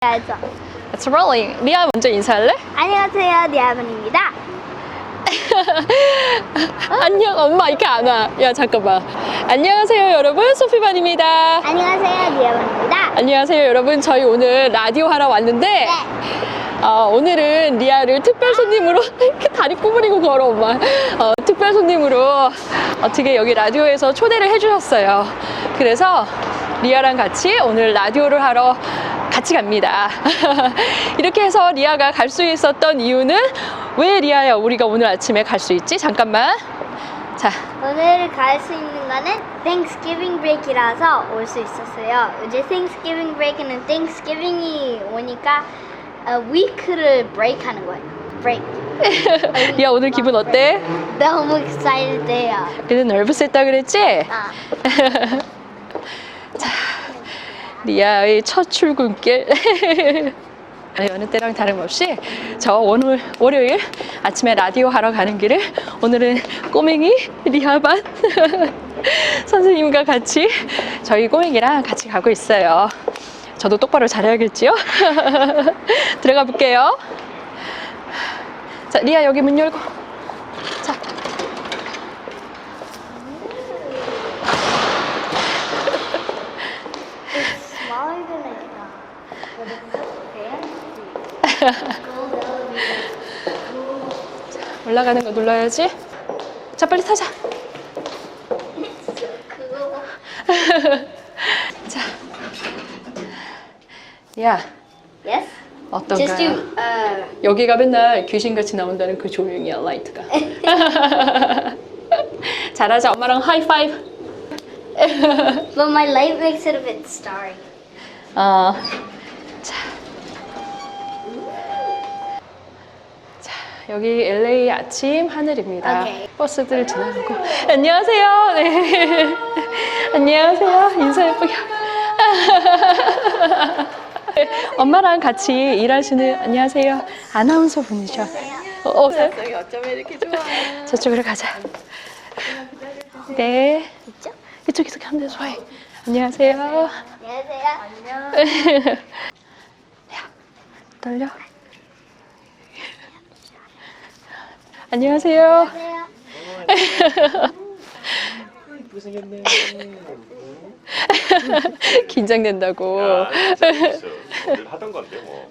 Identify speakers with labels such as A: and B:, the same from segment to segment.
A: 알죠?
B: It's rolling. 리아 먼저 인사할래?
A: 안녕하세요, 리아분입니다.
B: 안녕. 엄마 이렇게 안 와. 야 잠깐만. 안녕하세요 여러분, 소피반입니다.
A: 안녕하세요, 리아분입니다.
B: 안녕하세요 여러분. 저희 오늘 라디오 하러 왔는데
A: 네.
B: 오늘은 리아를 특별 손님으로 이렇게 다리 구부리고 걸어 엄마. 특별 손님으로 어떻게 여기 라디오에서 초대를 해주셨어요. 그래서 리아랑 같이 오늘 라디오를 하러 같이 갑니다. 이렇게 해서 리아가 갈 수 있었던 이유는 왜 리아야 우리가 오늘 아침에 갈 수 있지? 잠깐만. 자,
A: 오늘 갈 수 있는 거는 Thanksgiving break이라서 올 수 있었어요. 이제 Thanksgiving break는 Thanksgiving이 오니까 week를 break 하는 거예요. break.
B: 리아 오늘 기분 어때?
A: 너무 excited해요.
B: 그래도 nervous했다 그랬지?
A: 아,
B: 리아의 첫 출근길. 여느 때랑 다름없이 저 오늘 월요일 아침에 라디오 하러 가는 길을 오늘은 꼬맹이 리아반 선생님과 같이 저희 꼬맹이랑 같이 가고 있어요. 저도 똑바로 잘해야겠지요? 들어가 볼게요. 자, 리아 여기 문 열고. 자.
A: smaller than I thought. But it's so fancy.
B: 올라가는 거 눌러야지. 자, 빨리 타자.
A: 그거
B: 자, 리아
A: Yes?
B: 어떤가요?
A: Just do
B: 여기가 맨날 귀신같이 나온다는 그 조명이야, 라이트가. 잘하자, 엄마랑 하이파이브.
A: but my light makes it a bit starry.
B: 자. 자, 여기 LA 아침 하늘입니다.
A: 오케이.
B: 버스들 지나가고. 안녕하세요. 네. 안녕하세요. 인사 예쁘게. 엄마랑 같이 일하시는 안녕하세요. 아나운서 분이셔.
C: 여기 어쩜 이렇게 좋아?
B: 저쪽으로 가자. 네.
A: 있죠?
B: 이쪽에서 가면 돼, 좋아해. 안녕하세요.
A: 안녕하세요.
C: 안녕.
B: 야, 떨려? 안녕하세요.
A: 안녕하세요.
C: 이쁘게 생겼네.
B: 긴장된다고.
D: 재밌어. 늘 하던 건데 뭐.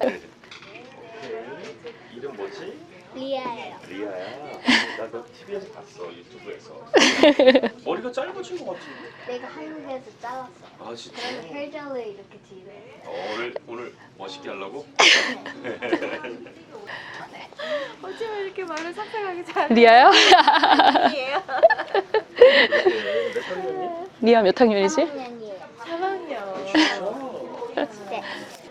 D: 이름 뭐지?
A: 리아예요.
D: 리아야. 나너 TV에서 봤어, 유튜브에서. 머리가 짧아진 것 같은데.
A: 내가 한국에서 잘랐어.
D: 아 진짜?
A: 그래서 헤어젤을 이렇게 뒤로 했어.
D: 오늘 멋있게 하려고?
C: 어쩜 이렇게 말을 상상하게 잘해?
B: 리아요?
C: 이에요.
D: 몇 학년이?
B: 리아 몇 학년이지?
A: 3학년이에요.
C: 3학년.
A: 네.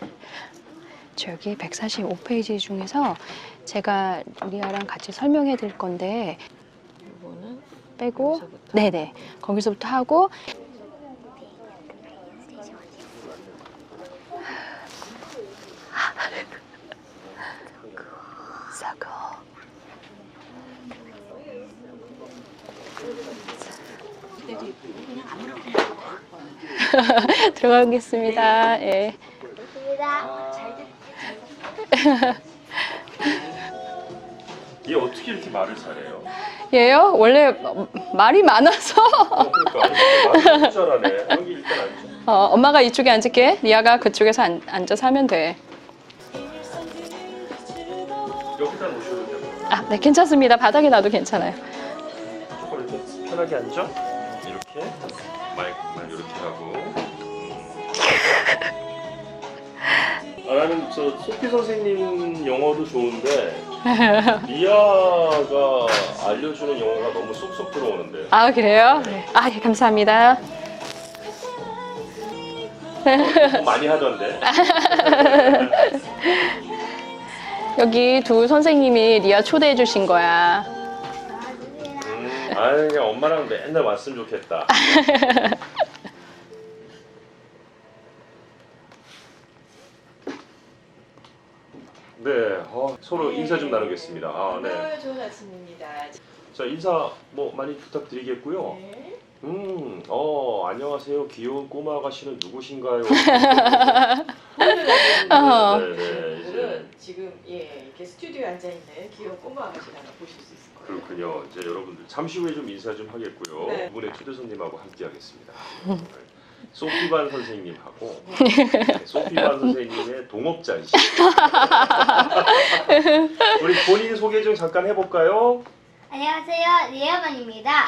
B: 저기 145페이지 중에서 제가 리아랑 같이 설명해 드릴 건데
C: 이거는
B: 빼고
C: 여기서부터?
B: 네네 거기서부터 하고 서고 들어가겠습니다. 예.
A: 좋습니다.
D: 얘 어떻게 이렇게 말을 잘해요?
B: 얘요? 원래 말이 많아서
D: 그러니까 말을 잘하네. 여기 일단 앉아.
B: 엄마가 이쪽에 앉을게. 리아가 그쪽에서 앉아서 하면 돼.
D: 여기다 놓으셔도 되고.
B: 아, 네, 괜찮습니다. 바닥에 놔도 괜찮아요.
D: 조금 이렇게 편하게 앉아. 이렇게 마이크만 이렇게 하고. 나는 저 소피 선생님 영어도 좋은데 리아가 알려주는 영어가 너무 쏙쏙 들어오는데.
B: 아, 그래요? 네. 아, 예, 감사합니다.
D: 많이 하던데.
B: 여기 두 선생님이 리아 초대해 주신 거야.
D: 아유 그냥 엄마랑 맨날 왔으면 좋겠다. 네, 서로 인사 좀 나누겠습니다. 아, 네.
C: 오늘 좋은 아침입니다.
D: 자, 인사 뭐 많이 부탁드리겠고요.
C: 네.
D: 안녕하세요. 귀여운 꼬마 아가씨는 누구신가요?
B: 어.
D: 네, 네, 이제
C: 분들은 지금 이렇게 스튜디오에 앉아 있는 귀여운 꼬마 아가씨를 하나 보실 수 있을 거예요.
D: 그렇군요. 이제 여러분들 잠시 후에 좀 인사 좀 하겠고요.
C: 네.
D: 두 분의 초대 손님하고 함께 하겠습니다. 소피반 선생님하고 네, 소피반 선생님의 동업자이시죠. 우리 본인 소개 좀 잠깐 해볼까요?
A: 안녕하세요, 리아반입니다.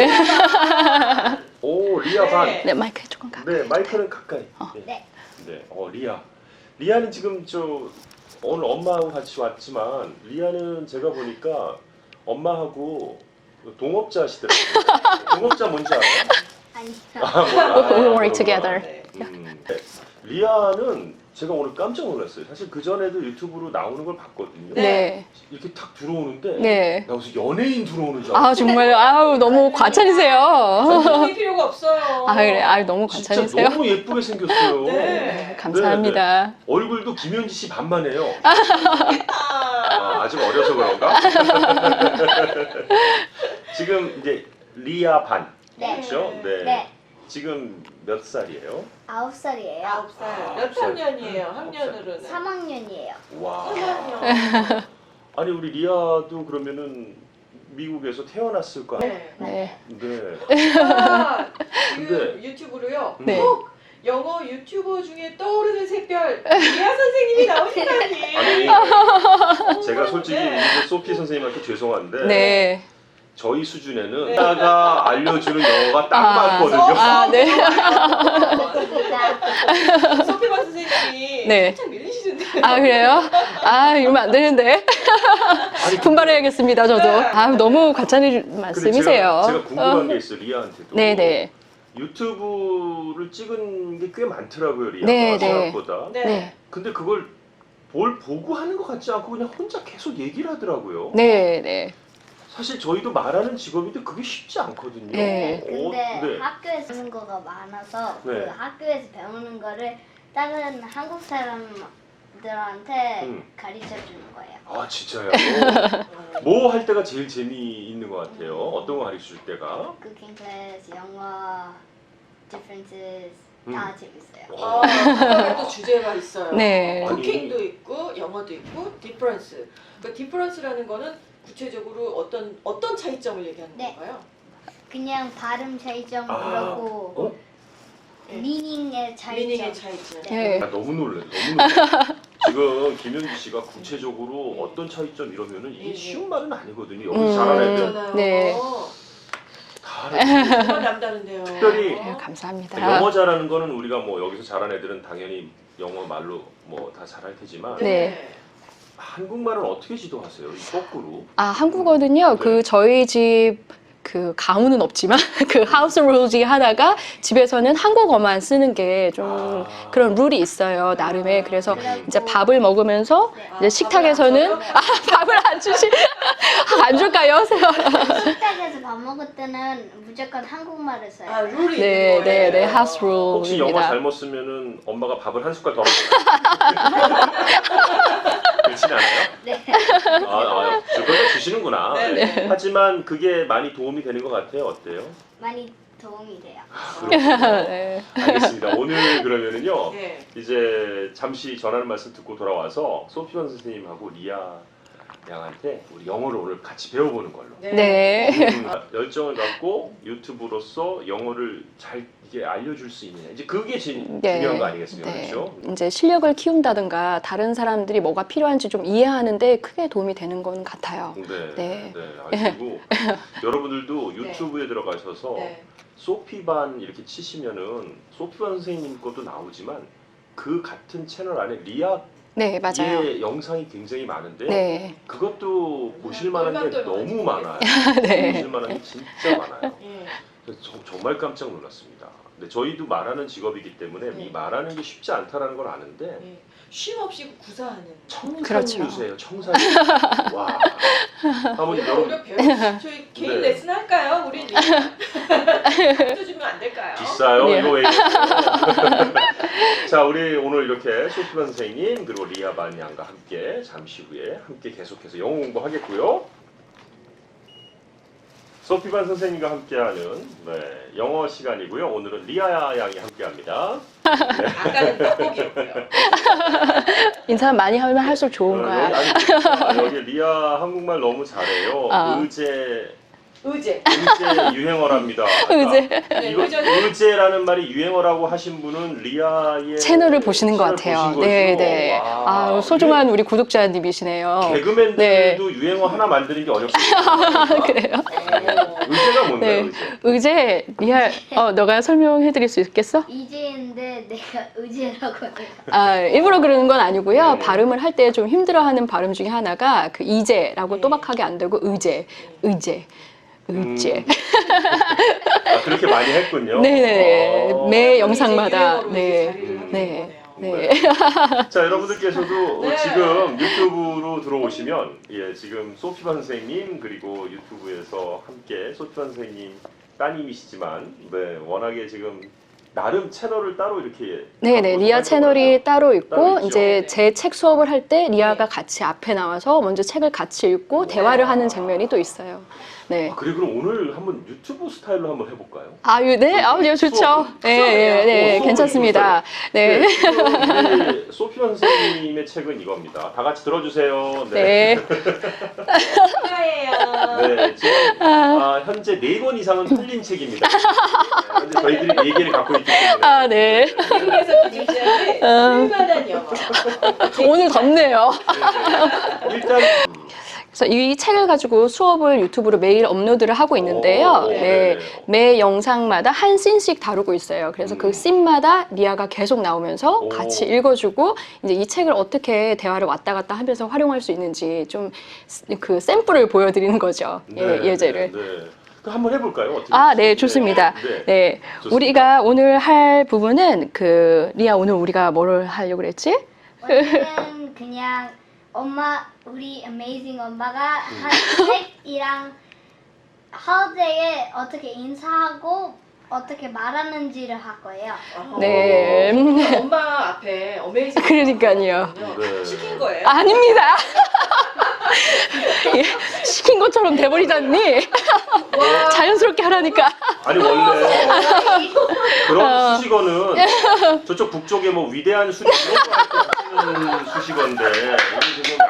D: 오, 리아반.
C: 네.
B: 네, 마이크 조금 가.
D: 네, 마이크는 가까이.
A: 네.
D: 네, 리아. 리아는 지금 오늘 엄마하고 같이 왔지만 리아는 제가 보니까 엄마하고 동업자 하시더라고요. 동업자 뭔지 알아요?
A: 아니요.
D: 몰라.
B: We work together.
C: 네.
D: 네. 리아는 제가 오늘 깜짝 놀랐어요. 사실 그 전에도 유튜브로 나오는 걸 봤거든요.
B: 네.
D: 이렇게 탁 들어오는데
B: 네.
D: 나 무슨 연예인 들어오는 줄
B: 아,
D: 알았어.
B: 정말 아우 너무 과찬이세요.
C: 전문이 필요가 없어요.
B: 아, 그래. 아유, 너무
D: 진짜
B: 과찬이세요.
D: 너무 예쁘게 생겼어요.
C: 네.
B: 감사합니다.
D: 얼굴도 김현지 씨 반만해요.
C: 아,
D: 아직 어려서 그런가? 지금 이제 리아 반.
A: 네.
D: 그렇죠? 네.
A: 네.
D: 지금 몇 살이에요?
A: 9살이에요.
C: 9살. 몇 학년이에요? 학년으로는?
A: 3학년이에요.
D: 와.
C: 3학년.
D: 아니 우리 리아도 그러면은 미국에서 태어났을 거 아니에요?
C: 네.
B: 네.
D: 네.
C: 제가 지금
D: 근데-
C: 유튜브로요.
B: 네.
C: 꼭 영어 유튜버 중에 떠오르는 샛별 리아 선생님이 나오시다니.
D: 아니 제가 솔직히 이제 소피 선생님한테 죄송한데
B: 네.
D: 저희 수준에는
C: 네.
D: 리아가 알려주는 영어가 딱
B: 아,
D: 맞거든요.
B: 아, 네.
C: 소피바 선생님이
B: 네.
C: 살짝 밀리시는데.
B: 아, 그래요? 아, 이러면 안 되는데. 분발해야겠습니다, 저도. 아, 너무 과찬이
D: 근데
B: 말씀이세요.
D: 제가 궁금한 게 있어요, 리아한테도.
B: 네네.
D: 유튜브를 찍은 게 꽤 많더라고요, 리아가
B: 네, 네.
D: 생각보다.
C: 네.
B: 네.
D: 근데 그걸 뭘 보고 하는 것 같지 않고 그냥 혼자 계속 얘기를 하더라고요.
B: 네, 네.
D: 사실 저희도 말하는 직업인데 그게 쉽지 않거든요.
B: 네.
A: 근데
D: 네.
A: 학교에서 하는 거가 많아서
D: 네.
A: 그 학교에서 배우는 거를 다른 한국 사람들한테 가르쳐 주는 거예요.
D: 아 진짜요? 뭐 할 때가 제일 재미있는 것 같아요. 어떤 거 가르쳐 줄 때가?
A: 쿠킹 클래스, 영어, differences 다 재밌어요.
C: 아, 그다음에 또 주제가 있어요.
B: 네.
C: 쿠킹도 있고 영어도 있고 디퍼런스. 그 디퍼런스라는 거는 구체적으로 어떤 차이점을 얘기하는
A: 네.
C: 건가요?
A: 그냥 발음 차이점
D: 아,
A: 그렇고
D: 어?
A: 미닝의 차이점.
C: 미닝의 차이점.
B: 네.
D: 아, 너무 놀래. 너무 놀래. 지금 김현주 씨가 구체적으로 어떤 차이점 이러면은 이게 쉬운 말은 아니거든요. 여기 잘하는 애들
C: 그렇잖아요.
B: 네.
D: 다 알아요.
C: 정말 남다른데요.
D: 특별히
B: 네, 감사합니다.
D: 영어 잘하는 거는 우리가 뭐 여기서 잘하는 애들은 당연히 영어 말로 뭐 다 잘할 테지만
B: 네.
D: 한국말은 어떻게 지도하세요? 이 거꾸로.
B: 아, 한국어는요.
D: 네.
B: 그 저희 집 그 가문은 없지만 그 하우스 룰즈 하다가 집에서는 한국어만 쓰는 게 좀
D: 아.
B: 그런 룰이 있어요. 나름의. 그래서
A: 그래갖고
B: 이제 밥을 먹으면서
A: 네.
B: 이제 식탁에서는 밥을 안 주시 안 줄까요?
A: 식탁에서 밥 먹을 때는 무조건 한국말을 써요.
C: 아, 룰이
B: 네,
C: 있는
B: 네,
C: 거예요.
B: 네. 하우스
D: 혹시 영어
B: 룰입니다.
D: 잘못 쓰면은 엄마가 밥을 한 숟갈 더 먹어요. 그렇진 않아요?
A: 네.
D: 그걸 주시는구나.
C: 네, 네.
D: 하지만 그게 많이 도움이 되는 것 같아요. 어때요?
A: 많이 도움이 돼요.
D: 그렇군요.
B: 네.
D: 알겠습니다. 오늘 그러면은요.
C: 네.
D: 이제 잠시 전하는 말씀 듣고 돌아와서 소피원 선생님하고 리아 양한테 우리 영어를 오늘 같이 배워보는 걸로.
B: 네.
D: 열정을 갖고 유튜브로서 영어를 잘 이게 알려줄 수 있느냐. 이제 그게 제일
B: 네.
D: 중요한 거 아니겠습니까?
B: 네.
D: 그렇죠?
B: 이제 실력을 키운다든가 다른 사람들이 뭐가 필요한지 좀 이해하는데 크게 도움이 되는 건 같아요.
D: 네.
B: 네.
D: 그리고 여러분들도 유튜브에 들어가셔서
C: 네.
D: 소피반 이렇게 치시면은 소피반 선생님 것도 나오지만 그 같은 채널 안에 리아
B: 네, 맞아요.
D: 의 영상이 굉장히 많은데
B: 네.
D: 그것도 보실 만한 게
C: 똘똘
D: 너무 많아요.
B: 네.
D: 보실 만한 게 진짜 많아요.
C: 예.
D: 그래서 정말 깜짝 놀랐습니다. 근데 저희도 말하는 직업이기 때문에
C: 네.
D: 이 말하는 게 쉽지 않다라는 걸 아는데
C: 예. 쉼 없이 구사하는.
B: 그렇죠.
D: 청산유세요. 청산유. 와. 한번
C: 우리가
D: 여러분
C: 오히려 배우 저희 개인
D: 네.
C: 레슨 할까요? 우리 또 주면 안 될까요?
D: 비싸요.
B: 네.
D: 이거 왜? 자, 우리 오늘 이렇게 소피반 선생님 그리고 리아반 양과 함께 잠시 후에 함께 계속해서 영어 공부하겠고요. 소피반 선생님과 함께하는 영어 시간이고요. 오늘은 리아 양이 함께합니다.
C: 아까는 떡볶이였고요.
B: 인사 많이 하면 할수록 좋은 거야.
D: 여기 리아 한국말 너무 잘해요.
C: 의제.
D: 의제 유행어랍니다.
B: 의제.
D: 이거 의제라는 말이 유행어라고 하신 분은 리아의
B: 채널을 보시는 것 같아요. 네, 네. 아, 소중한 우리 구독자님이시네요.
D: 개그맨들도
B: 네.
D: 유행어 하나 만드는 게 어렵습니다.
B: 그래요?
D: 의제가 뭔가요?
B: 네.
D: 의제?
B: 의제, 리아, 너가 설명해 드릴 수 있겠어?
A: 이제인데 내가 의제라고 해요.
B: 아, 일부러 그러는 건 아니고요.
D: 네.
B: 발음을 할 때 좀 힘들어하는 발음 중에 하나가 그 이제라고
C: 네.
B: 또박하게 안 되고 의제.
D: 그렇게 많이 했군요.
B: 네네. 매 영상마다.
C: 유행어로 이제
B: 네.
C: 자리를 하게
B: 네.
C: 된
B: 네.
C: 거네요.
D: 자, 여러분들께서도
C: 네.
D: 지금 유튜브로 들어오시면 지금 소피반 선생님 그리고 유튜브에서 함께 소피반 선생님 따님이시지만 워낙에 지금 나름 채널을 따로 이렇게
B: 네네.
D: 갖고
B: 리아 채널이 따로 있고
D: 따로 있죠.
B: 이제 제 책 수업을 할 때 리아가
C: 네.
B: 같이 앞에 나와서 먼저 책을 같이 읽고
C: 네.
B: 대화를 하는 장면이 또 있어요. 네.
D: 그래 그럼 오늘 한번 유튜브 스타일로 한번 해볼까요?
B: 네, 네, 좋죠.
C: 수업이요?
B: 네,
D: 수업을
B: 괜찮습니다. 네.
D: 지금 우리 소피반 선생님의 책은 이겁니다. 다 같이 들어주세요.
B: 네.
C: 축하해요.
D: 네, 지금 현재 4권 이상은 팔린 책입니다. 현재 저희들이 4개를 갖고 있기 때문에.
B: 네.
C: 미국에서 부주시하는 쓸만한 영어.
B: 오늘 덥네요.
D: 네. 일단
B: 그래서 이 책을 가지고 수업을 유튜브로 매일 업로드를 하고 있는데요.
D: 오,
B: 네.
D: 네.
B: 매 영상마다 한 씬씩 다루고 있어요. 그래서 그 씬마다 리아가 계속 나오면서
D: 오.
B: 같이 읽어주고 이제 이 책을 어떻게 대화를 왔다 갔다 하면서 활용할 수 있는지 좀 그 샘플을 보여드리는 거죠. 예제를.
D: 네. 그럼 한번 해볼까요? 어떻게
B: 네,
D: 될지?
B: 좋습니다.
D: 네.
B: 네.
D: 좋습니다.
B: 우리가 오늘 할 부분은 리아 오늘 우리가 뭘 하려고 그랬지?
A: 오늘은 그냥 우리 amazing 엄마가 한 책이랑 holiday 어떻게 인사하고 어떻게 말하는지를 할 거예요.
B: 네.
C: 엄마 앞에 어메이징.
B: 그러니까요.
D: 네.
C: 시킨 거예요?
B: 아닙니다. 예, 시킨 것처럼 돼버리잖니? 자연스럽게 하라니까.
D: 아니 원래 그런 수식어는 저쪽 북쪽에 뭐 위대한 수식 이런 거할때 쓰는 수식어인데 여기 지금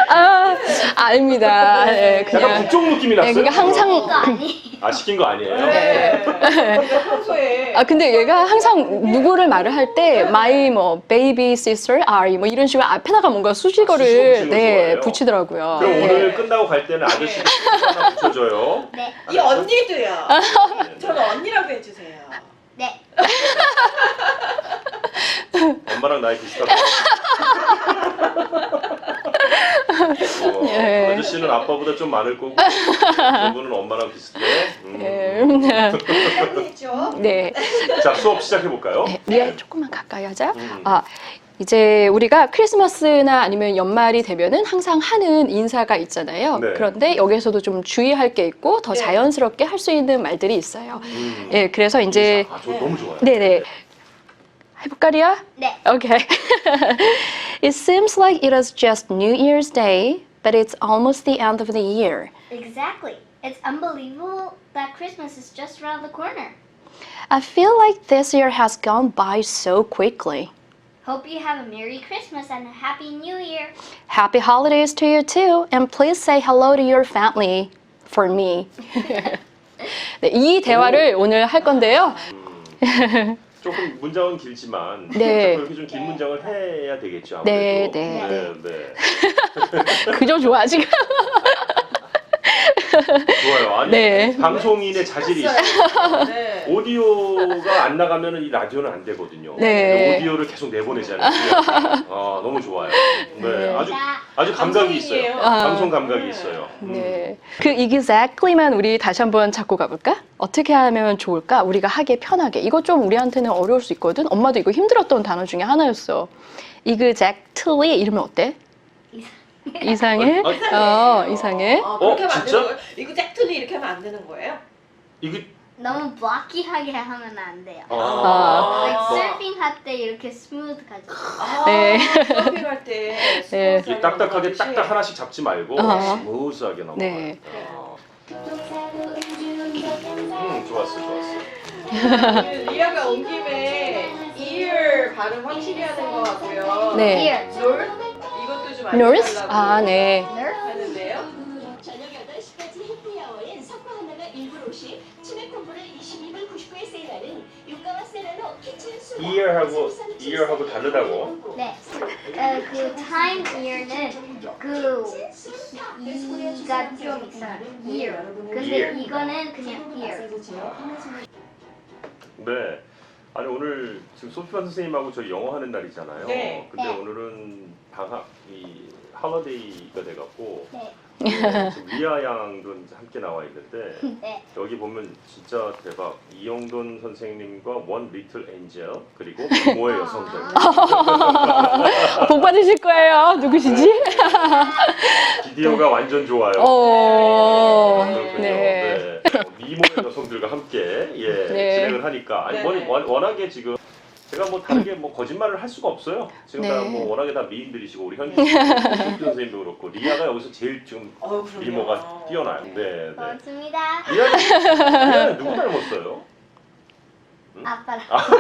B: 아닙니다. 네,
D: 약간
B: 그냥.
D: 북쪽 느낌이 났어요.
B: 그러니까 항상
A: 이거 아니.
D: 시킨 거 아니에요?
C: 네. 평소에.
B: 근데 얘가 항상 누구를 말을 할 때 my baby sister are 뭐 이런 식으로 앞에다가 뭔가 수식어를
D: 수식어 좋아해요.
B: 붙이더라고요.
D: 그럼
B: 네.
D: 오늘 끝나고 갈 때는 아저씨 하나 붙여줘요.
A: 네.
C: 이 언니도요. 저는 언니라고 해주세요.
A: 네.
D: 엄마랑 나이 비슷하다.
B: 예.
D: 아저씨는 아빠보다 좀 많을 거고 저분은 엄마랑 비슷해.
C: 언니죠.
B: 네.
D: 자, 수업 시작해 볼까요?
B: 네, 리아 조금만 가까이 하자. 이제 우리가 크리스마스나 아니면 연말이 되면은 항상 하는 인사가 있잖아요.
D: 네.
B: 그런데 여기서도 좀 주의할 게 있고 더
C: 네.
B: 자연스럽게 할 수 있는 말들이 있어요. 예, 그래서 이제
D: 저 너무 좋아요.
B: 네네. 해볼까, 리아?
A: 네.
B: Okay. It seems like it is just New Year's Day, but it's almost the end of the year.
A: Exactly. It's unbelievable that Christmas is just around the corner.
B: I feel like this year has gone by so quickly.
A: Hope you have a Merry Christmas and a Happy New Year.
B: Happy holidays to you too, and please say hello to your family for me. 네, 이 대화를 오늘 할 건데요.
D: 조금 문장은 길지만
B: 네.
D: 그렇게 좀 긴 문장을 해야 되겠죠.
B: 네,
D: 아무래도.
B: 네,
D: 네.
B: 그저 좋아 지금.
D: 좋아요. 아니
B: 네.
D: 방송인의 자질이 있어요.
C: 네.
D: 오디오가 안 나가면은 이 라디오는 안 되거든요.
B: 네.
D: 근데 오디오를 계속 내보내잖아요. 너무 좋아요. 네, 아주 감각이 있어요.
C: 방송인이에요.
D: 방송 감각이 있어요.
B: 네. 그 exactly만 우리 다시 한번 잡고 가볼까? 어떻게 하면 좋을까? 우리가 하기 편하게. 이거 좀 우리한테는 어려울 수 있거든. 엄마도 이거 힘들었던 단어 중에 하나였어. exactly 이러면 어때? 이상해? 이상해.
C: 그렇게 하면 안
D: 진짜?
C: 되는 거예요? 이거 짝퉁이 이렇게 하면 안 되는 거예요?
D: 이게
A: 너무 블럭키하게 하면 안 돼요.
B: 아.
A: Like surfing 할 때 이렇게 스무드 가지고.
B: 네.
C: 서핑할 때
B: 네.
D: 이 딱딱하게 딱딱 하나씩 잡지 말고 스무스하게 넘어가요.
B: 네.
A: 또 새로운 주
D: 좋았어.
C: 리아가 온 김에 ear 발음 확실히 하는 것 같고요.
B: 네.
A: Ear.
C: north 이것도 좀
B: North?
C: 알려달라고
B: 아, 네.
C: 하는데요.
E: 저녁 8시까지 해피아워엔 석화 하나가 1불 50, 치맥 콤보를 22불 99에 세일하는 유가와 세라노 키친 수다.
D: ear하고 다르다고?
A: 네. 그 time ear는 그 이가 좀 있어요. ear. 근데
D: ear.
A: 이거는 그냥 ear.
D: 네. 아니 오늘 지금 소피아 선생님하고 저희 영어 하는 날이잖아요.
C: 네.
D: 근데
A: 네.
D: 오늘은 할러데이가 돼갖고
A: 네.
D: 지금 리아 양도 이제 함께 나와 있는데
A: 네.
D: 여기 보면 진짜 대박. 이영돈 선생님과 원 리틀 엔젤 그리고 부모의 여성들.
B: 복 받으실 거예요. 누구시지?
D: 비디오가 완전 좋아요. 그렇군요.
B: 네.
D: 미모의 여성들과 함께
B: 네.
D: 진행을 하니까 아니
C: 네.
D: 워낙에 지금 제가 뭐 다르게 뭐 거짓말을 할 수가 없어요. 지금
B: 네.
D: 다 뭐 워낙에 다 미인들이시고 우리 현지 선생님도 그렇고 리아가 여기서 제일 지금
C: 그럼요.
D: 미모가 뛰어나요. 네.
A: 고맙습니다.
D: 리아는 누구 닮았어요?
A: 아빠랑.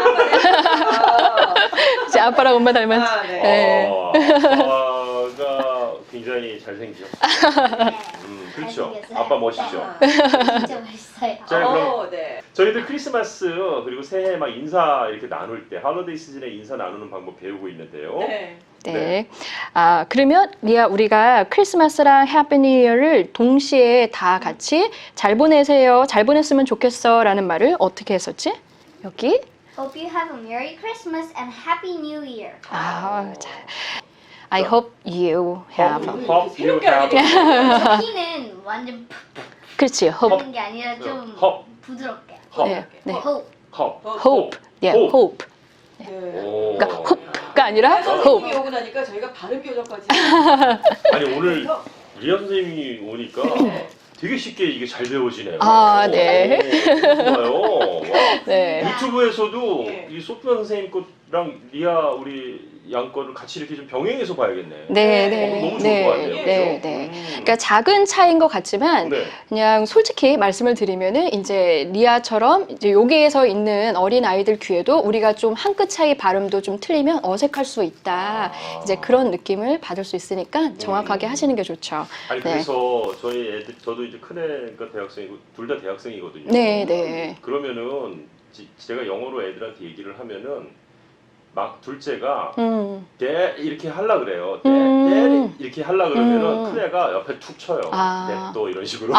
B: 제 아빠랑 엄마 닮았.
C: 네.
B: 네.
D: 아빠가 굉장히 잘생기셨어요.
A: 네.
D: 그렇죠.
A: 잘생겼어요.
D: 아빠 멋있죠.
A: 진짜 멋있어요.
D: 자, 그럼
C: 네.
D: 저희들 크리스마스 그리고 새해 막 인사 이렇게 나눌 때 할로데이 시즌에 인사 나누는 방법 배우고 있는데요.
C: 네.
B: 네. 아, 그러면 리아 우리가 크리스마스랑 해피 뉴 이어를 동시에 다 같이 잘 보내세요. 잘 보냈으면 좋겠어라는 말을 어떻게 했었지? 여기.
A: Hope you have a Merry Christmas and Happy New Year.
B: 아, 자. I hope you have.
D: Hope you
C: 새롭게 알게
D: have
A: P는 완전
B: 그렇지. hope.
A: 하는 게 아니라 좀
D: Hope.
A: 부드럽게.
B: 네. 네.
A: Hope.
D: hope.
B: hope. 예,
D: Hope.
B: hope.
C: 네.
D: 오.
B: 그러니까 hope가 아니라
C: 선생님이
B: hope.
C: 오고 나니까 저희가 발음 교정까지.
D: 아니 오늘 리아 선생님이 오니까 되게 쉽게 이게 잘 배워지네요.
B: 아, 네.
D: 좋아요. 와.
B: 네.
D: 유튜브에서도
C: 네.
D: 이 소피아 선생님 거랑 리아 우리 양 거를 같이 이렇게 좀 병행해서 봐야겠네.
B: 네,
C: 어,
B: 네.
D: 너무 좋을
B: 네.
D: 것 같아요.
B: 네,
D: 그죠?
B: 네. 그러니까 작은 차이인 것 같지만
D: 네.
B: 그냥 솔직히 말씀을 드리면은 이제 리아처럼 이제 여기에서 있는 어린 아이들 귀에도 우리가 좀 한 끗 차이 발음도 좀 틀리면 어색할 수 있다. 이제 그런 느낌을 받을 수 있으니까 정확하게 하시는 게 좋죠.
D: 아니
B: 네.
D: 그래서 저희 애들 저도 이제 큰애가 대학생이고 둘 다 대학생이거든요.
B: 네, 네.
D: 그러면은 제가 영어로 애들한테 얘기를 하면은 막 둘째가 대 이렇게 하려 그래요. 대 이렇게 하려 그러면은 큰애가 옆에 툭 쳐요.
B: 아.
D: 또 이런 식으로.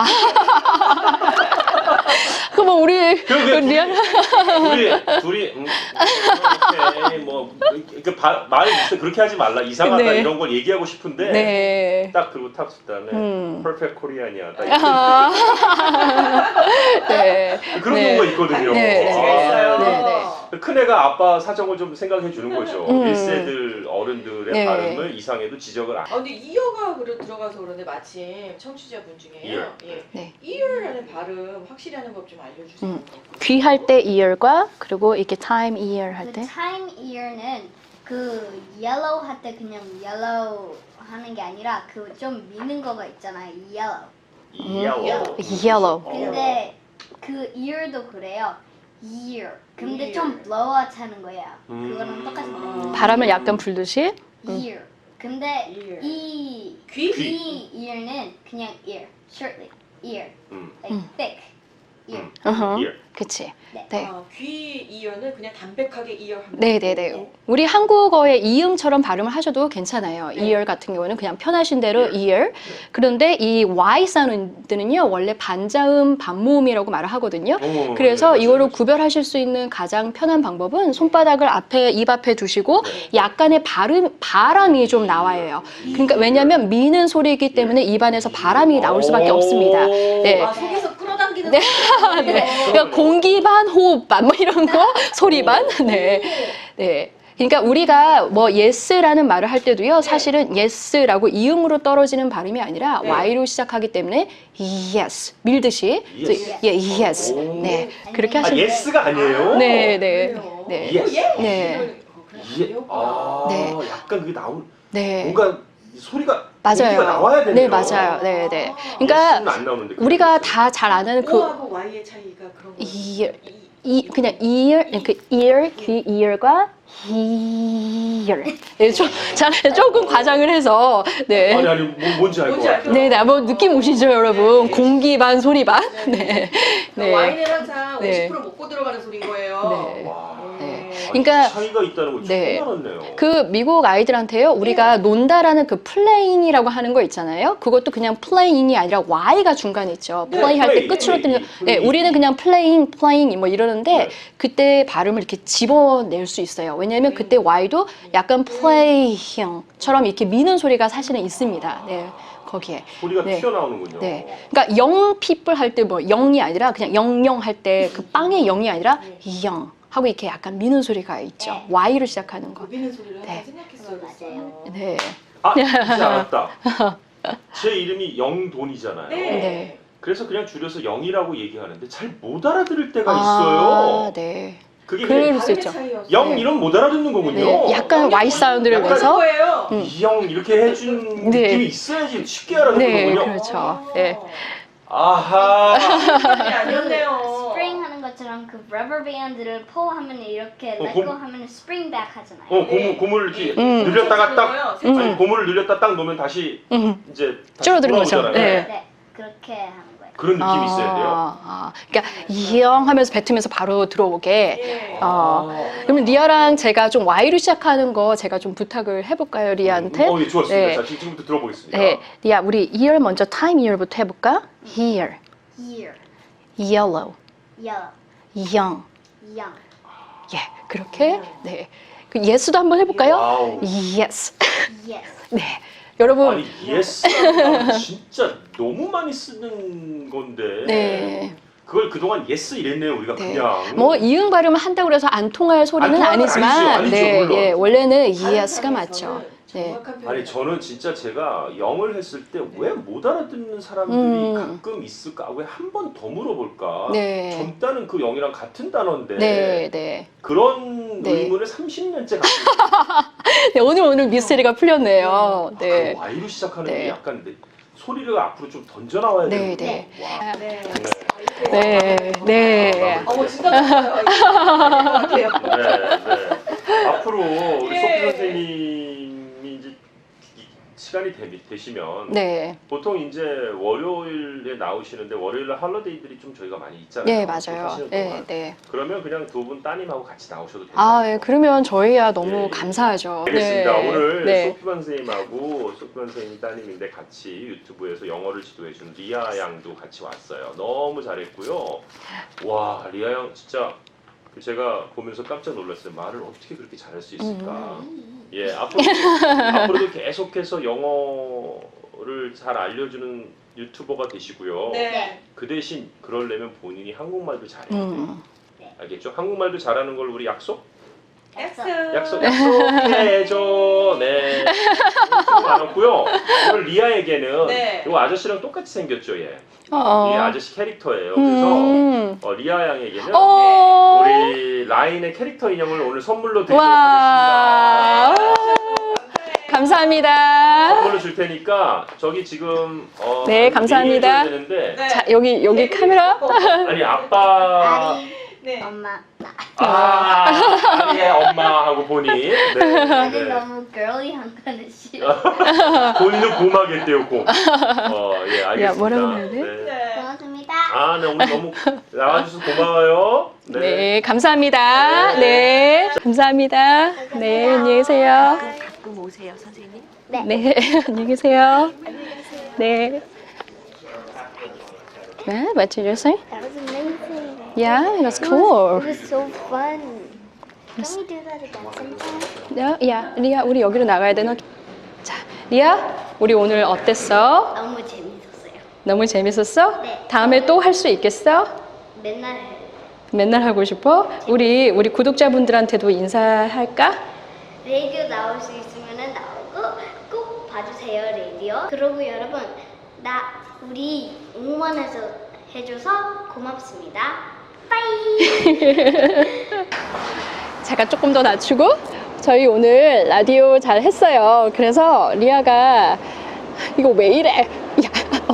B: 그럼 우리
D: 그럼
B: 리아
D: 우리 둘이 이렇게 말 그렇게 하지 말라 이상하다
B: 네.
D: 이런 걸 얘기하고 싶은데
B: 네.
D: 딱 그리고 탁 다음에 퍼펙트 코리안이야. 딱
B: 아. 네.
D: 그런
B: 네.
D: 경우가 있거든요.
B: 네, 네.
C: 제가 있어요.
B: 네, 네.
D: 큰애가 아빠 사정을 좀 생각해 주는 거죠. 1세들 어른들의
B: 네.
D: 발음을 이상해도 지적을 안.
C: 근데 이어가 들어가서 그런데 마침 청취자분 중에
D: ear.
C: 예.
B: 네.
C: ear라는 발음 확실히 하는 법 좀 알려주세요.
B: 귀할 때 ear과 그리고 이렇게 time ear 할
A: 그
B: 때.
A: time ear는 그 yellow 할 때 그냥 yellow 하는 게 아니라 그 좀 미는 거가 있잖아요. yellow.
B: yellow.
A: 근데 그 ear도 그래요. ear. 근데
C: ear.
A: 좀 blow out 하는 거예요. 그거랑 똑같은
B: 바람을 약간 불듯이.
A: ear. 근데
C: ear.
A: 이
C: 귀?
A: 귀 ear는 그냥 ear. shortly. ear. like thick. ear.
D: ear.
B: 그치.
A: 네.
B: 네.
C: 귀 이어는 그냥 담백하게 이어합니다.
B: 네네네. 우리 한국어의 이음처럼 발음을 하셔도 괜찮아요.
C: 네.
B: ear 같은 경우는 그냥 편하신 대로 ear. 그런데 이 Y 사운드는요, 원래 반자음, 반모음이라고 말을 하거든요. 그래서
D: 네,
B: 이거를
D: 맞아요.
B: 구별하실 수 있는 가장 편한 방법은 손바닥을 입 앞에 두시고
D: 네.
B: 약간의 바람이 좀 나와요. 그러니까 왜냐하면 미는 소리이기 때문에 입안에서 바람이 나올 수밖에 없습니다. 네.
C: 아, 속에서 끌어당기는
B: 네.
C: 소리가
B: 네. 그러니까 공기 반, 호흡 반, 뭐 이런 거, 소리 반. 네. 네. 그러니까 우리가 뭐 yes라는 말을 할 때도요, 사실은 yes라고 이음으로 떨어지는 발음이 아니라
C: 네.
B: y로 시작하기 때문에 yes 밀듯이
D: Yes.
B: 예, yes.
D: 오.
B: 네. 그렇게
D: 아
B: 하시면
D: yes가 아니에요?
B: 네, 네.
C: 그래요?
B: 네.
D: Yes.
C: 예?
B: 네.
D: 예. 아,
B: 네.
D: 약간 그게 나온
B: 네.
D: 뭔가 소리가
B: 맞아요.
D: 공기가 나와야 되네요.
B: 네, 맞아요. 네, 네. 그러니까
D: 예스는 안 나오는데
B: 우리가 다 잘 아는 그
C: O하고 Y의 차이가 그런 거예요.
B: 그냥 ear, 그 ear, 귀 ear과 hear. 네, 조금 과장을 해서 네.
D: 아니 뭔지 알 것
C: 뭔지 알
D: 같아요.
C: 것
B: 네, 뭐 느낌 오시죠, 여러분? 공기 반, 소리 반? 네. 네.
C: 와인은 항상
B: 네.
C: 50% 먹고 들어가는 소리인 거예요.
B: 네.
D: 와.
B: 네.
D: 아,
B: 그러니까
D: 차이가 있다는 걸
B: 네.
D: 처음 알았네요.
B: 그 미국 아이들한테요, 우리가 논다라는 그 플레잉이라고 하는 거 있잖아요. 그것도 그냥 플레잉이 아니라 Y가 중간에 있죠.
D: 네,
B: 플레잉 할 때
D: 플레이,
B: 끝으로 뜨는 거.
D: 플레이.
B: 네, 우리는 그냥 플레잉 뭐 이러는데
D: 네.
B: 그때 발음을 이렇게 집어낼 수 있어요. 왜냐하면 그때 Y도 약간 플레이형처럼 이렇게 미는 소리가 사실은 있습니다. 네, 거기에.
D: 소리가
B: 네.
D: 튀어나오는군요.
B: 네. 그러니까 영 people 할 때 뭐 영이 아니라 그냥 영영 할 때 그 빵의 영이 아니라 영 하고 이렇게 약간 미는 소리가 있죠.
A: 네.
B: Y로 시작하는 거.
C: 고비는 소리를
B: 네.
C: 항상 생각했어요.
A: 맞아요.
B: 네.
D: 아, 이제 알았다. 제 이름이 영돈이잖아요.
C: 네.
B: 네.
D: 그래서 그냥 줄여서 영이라고 얘기하는데 잘 못 알아들을 때가
B: 아,
D: 있어요.
B: 네.
D: 그게
B: 그럴
D: 그냥
B: 수 있죠.
D: 영
B: 네.
D: 이름 못 알아듣는 거군요.
B: 네. 약간 Y 사운드를
D: 약간
B: 내서.
C: 거예요.
D: 이영 이렇게 해준
B: 네.
D: 느낌이 있어야지 쉽게 알아듣는
B: 네,
D: 거군요.
B: 그렇죠. 네.
D: 아하.
C: 아니었네요.
A: 스프링 하는 것처럼 그 러버 밴드를 포 하면 이렇게
D: 어,
A: let
D: 고-
A: go 하면 스프링 백 하잖아요.
C: 네.
D: 고무를 이렇게
B: 음.
D: 늘렸다가 딱 아니
B: 음.
D: 고무를 늘렸다 딱 놓으면 다시 이제 다시
B: 줄어드는 거죠.
D: 돌아오잖아요.
B: 네.
A: 네, 그렇게 하는 거예요.
D: 그런 느낌이 있어야 돼요.
B: 그러니까 이영 하면서 뱉으면서 바로 들어오게.
C: 네.
B: 그러면 리아랑 제가 좀 Y로 시작하는 거 제가 좀 부탁을 해볼까요, 리아한테?
D: 예, 좋았습니다.
B: 네.
D: 자, 지금부터 들어보겠습니다.
B: 네, 리아, 우리 ear 먼저 time ear부터 해볼까? Here,
A: Here,
B: yellow,
A: yellow,
B: young.
A: young.
B: 예, 그렇게. 네. 그 yes도 한번 해볼까요?
D: 와우.
B: Yes.
A: Yes.
B: 네. 여러분.
D: 아니 예스라는 진짜 너무 많이 쓰는 건데
B: 네.
D: 그걸 그동안 예스 이랬네요 우리가
B: 네.
D: 그냥
B: 뭐 이응 발음을 한다고 해서 안 통할 소리는
D: 통할 건
B: 아니지만,
D: 아니죠,
B: 네,
D: 물론.
B: 예, 원래는 yes가 맞죠. 네.
D: 아니 저는 진짜 제가 영어를 했을 때 왜 못 알아듣는 사람들이 가끔 있을까 왜 한 번 더 물어볼까
B: 네.
D: 젊다는 그 영이랑 같은 단어인데
B: 네, 네.
D: 그런
B: 네.
D: 의문을 30년째 갖고 있어요.
B: 네, 오늘 미스테리가 풀렸네요. 네.
D: 그 Y로 시작하는
B: 네.
D: 게 약간 소리를 앞으로 좀 던져 나와야
B: 네,
D: 되는데
B: 네.
D: 와.
C: 네.
B: 네, 네.
C: 어머 진짜 좋아요. 같아요.
D: 네. 앞으로 우리
C: 예.
D: 소피 선생님이 이제 시간이 되시면
B: 네.
D: 보통 이제 월요일에 나오시는데 월요일날 할러데이들이 좀 저희가 많이 있잖아요.
B: 네,
D: 또
B: 맞아요.
D: 하시는
B: 네,
D: 동안.
B: 네.
D: 그러면 그냥 두 분 따님하고 같이 나오셔도 돼요.
B: 아, 예, 그러면 저희야 너무
D: 예, 예.
B: 감사하죠.
D: 알겠습니다.
B: 네.
D: 오늘
B: 네.
D: 소피반 선생님하고 소피반 선생님 따님인데 같이 유튜브에서 영어를 지도해준 리아 양도 같이 왔어요. 너무 잘했고요. 와, 리아 양 진짜 제가 보면서 깜짝 놀랐어요. 말을 어떻게 그렇게 잘할 수 있을까. 예, 앞으로도 계속해서 영어를 잘 알려주는 유튜버가 되시고요.
C: 네.
D: 그 대신 그러려면 본인이 한국말도 잘해야 돼요.
B: 음.
D: 알겠죠? 한국말도 잘하는 걸 우리 약속?
C: 약속.
D: 약속해줘. 네. 수고 많았고요. 오늘 리아에게는
C: 네.
D: 이 아저씨랑 똑같이 생겼죠, 얘.
B: 어.
D: 이 아저씨 캐릭터예요. 그래서
B: 음.
D: 리아 양에게는
B: 어.
D: 우리 라인의 캐릭터 인형을 오늘 선물로 드리도록
B: 와.
D: 하겠습니다.
B: 감사합니다.
D: 선물로 줄 테니까 저기 지금
B: 네, 감사합니다.
D: 메일을 줘야 되는데
C: 네.
B: 자, 여기 카메라.
D: 아니 아빠
A: 아리,
C: 네.
A: 엄마.
D: 아니의 엄마하고 본인 네,
A: 나는
D: 네.
A: 너무 girly한 거는 싫어.
D: 본인은 고마겠대요 고. 예 알겠습니다.
B: 야, 뭐라고 해야 돼?
D: 네.
C: 네.
A: 고맙습니다.
D: 아, 네 오늘 너무 나와주셔서 고마워요.
B: 네, 감사합니다. 네, 감사합니다. 네, 안녕히 계세요.
C: 가끔 오세요, 선생님.
B: 네, 안녕히 계세요. 네. 네, what did you say?
A: That was amazing.
B: Yeah, it was
A: It
B: cool.
A: was so fun. Can we do that again sometime?
B: 야, 리아, 우리 여기로 나가야 되나? 자, 리아, 우리 오늘 어땠어?
A: 너무 재밌었어요.
B: 너무 재밌었어?
A: 네.
B: 다음에 또 할 수 있겠어?
A: 맨날 해요.
B: 맨날 하고 싶어? 우리 구독자분들한테도 인사할까?
A: 라디오 나올 수 있으면 나오고 꼭 봐주세요 라디오. 그리고 여러분 우리 응원해서 해줘서 고맙습니다. 빠이.
B: 잠깐 조금 더 낮추고 저희 오늘 라디오 잘 했어요. 그래서 리아가 이거 왜 이래? 야,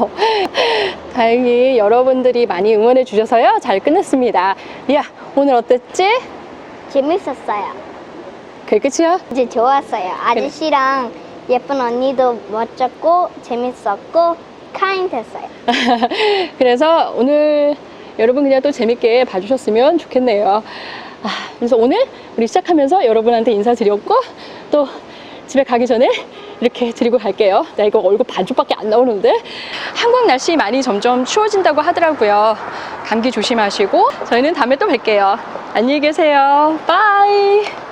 B: 다행히 여러분들이 많이 응원해 주셔서요. 잘 끝냈습니다. 리아, 오늘 어땠지?
A: 재밌었어요.
B: 그게 끝이야?
A: 이제 좋았어요. 아저씨랑 예쁜 언니도 멋졌고 재밌었고 카인했어요.
B: 그래서 오늘 여러분 그냥 또 재밌게 봐주셨으면 좋겠네요. 그래서 오늘 우리 시작하면서 여러분한테 인사드렸고 또 집에 가기 전에 이렇게 드리고 갈게요. 나 이거 얼굴 반쪽밖에 안 나오는데. 한국 날씨 많이 점점 추워진다고 하더라고요. 감기 조심하시고 저희는 다음에 또 뵐게요. 안녕히 계세요. 바이.